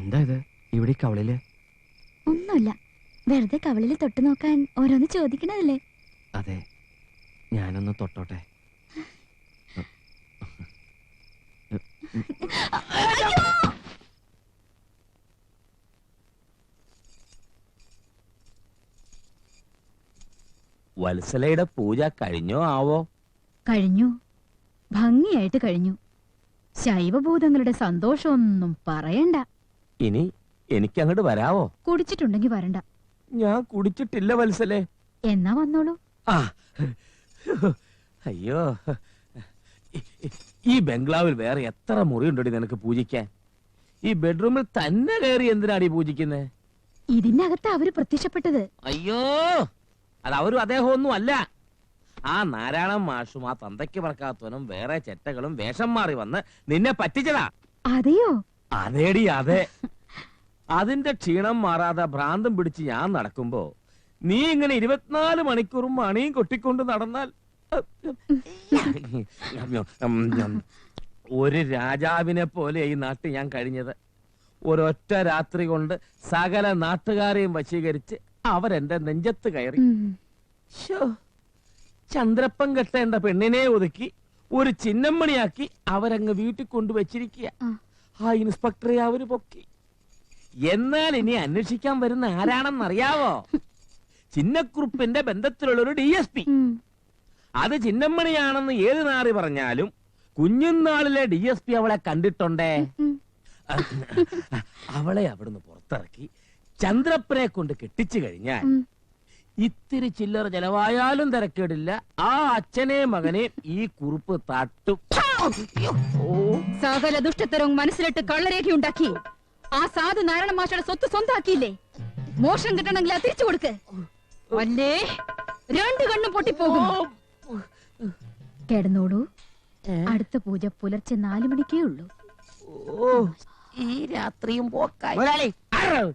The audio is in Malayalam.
എന്താ ഇത് ഇവിടെ കവളില്? ഒന്നുമില്ല, വെറുതെ കവളിൽ തൊട്ടു നോക്കാൻ ഓരോന്ന് ചോദിക്കണതല്ലേ. അതെ, ഞാനൊന്ന് തൊട്ടോട്ടെ? വത്സലയുടെ പൂജ കഴിഞ്ഞോ ആവോ? കഴിഞ്ഞു, ഭംഗിയായിട്ട് കഴിഞ്ഞു. ശൈവഭൂതങ്ങളുടെ സന്തോഷമൊന്നും പറയണ്ട. ഇനി എനിക്ക് അങ്ങോട്ട് വരാവോ? കുടിച്ചിട്ടുണ്ടെങ്കി വരണ്ട. ഞാൻ കുടിച്ചിട്ടില്ല വത്സലേ. എന്നാ വന്നോളൂ. ആ അയ്യോ, ഈ ബംഗ്ലാവിൽ വേറെ എത്ര മുറിയുണ്ടോടി നിനക്ക് പൂജിക്കാൻ? ഈ ബെഡ്റൂമിൽ തന്നെ കയറി എന്തിനാടി പൂജിക്കുന്നേ? ഇതിനകത്ത് അവര് പ്രത്യക്ഷപ്പെട്ടത്. അയ്യോ, അത് അവരും അദ്ദേഹം ഒന്നും അല്ല. ആ നാരായണൻ മാഷും ആ തന്തയ്ക്ക് പറക്കാത്തവനും വേറെ ചെറ്റകളും വേഷം മാറി വന്ന് നിന്നെ പറ്റിച്ചതാ. അതെയോ? അതേടി അതെ. അതിന്റെ ക്ഷീണം മാറാതെ ഭ്രാന്തം പിടിച്ച് ഞാൻ നടക്കുമ്പോ നീ ഇങ്ങനെ 24 മണിക്കൂറും മണിയും കൊട്ടിക്കൊണ്ട് നടന്നാൽ ഒരു രാജാവിനെ പോലെ ഈ നാട്ടിൽ ഞാൻ കഴിഞ്ഞത്. ഒരൊറ്റ രാത്രി കൊണ്ട് സകല നാട്ടുകാരെയും വശീകരിച്ച് അവരെന്റെ നെഞ്ചത്ത് കയറി. ചന്ദ്രപ്പൻ കെട്ടേണ്ട പെണ്ണിനെ ഒതുക്കി ഒരു ചിന്നമ്മണിയാക്കി അവരങ്ങ് വീട്ടിൽ കൊണ്ടുവച്ചിരിക്കുക. ആ ഇൻസ്പെക്ടറെ അവര് പൊക്കി. എന്നാൽ ഇനി അന്വേഷിക്കാൻ വരുന്ന ആരാണെന്നറിയാവോ? ചിന്നക്കുറുപ്പിന്റെ ബന്ധത്തിലുള്ളൊരു DSP. അത് ചിന്നമ്മണിയാണെന്ന് ഏത് നാറി പറഞ്ഞാലും കുഞ്ഞുനാളിലെ DSP അവളെ കണ്ടിട്ടുണ്ടേ. അവളെ അവിടുന്ന് പുറത്തിറക്കി ചന്ദ്രപ്പനെ കൊണ്ട് കെട്ടിച്ചു കഴിഞ്ഞാൽ ഇത്തിരി ചില്ലറ ചെലവായാലും തിരക്കേടില്ല. ആ അച്ഛനെ മകനെ ഈ കുറുപ്പ് തട്ടും. സകല ദുഷ്ടത്തരവും മനസ്സിലിട്ട് കള്ളരേഖയുണ്ടാക്കി ആ സാധു നാരായണ മാഷയുടെ സ്വത്ത് സ്വന്താക്കിയില്ലേ? മോശം കിട്ടണമെങ്കിൽ അത് തിരിച്ചു കൊടുക്ക്, അല്ലേ 2 കണ്ണും പൊട്ടിപ്പോകും. കിടന്നോളൂ, അടുത്ത പൂജ പുലർച്ചെ 4 മണിക്കേ ഉള്ളൂ. ഈ രാത്രിയും പോക്കായി.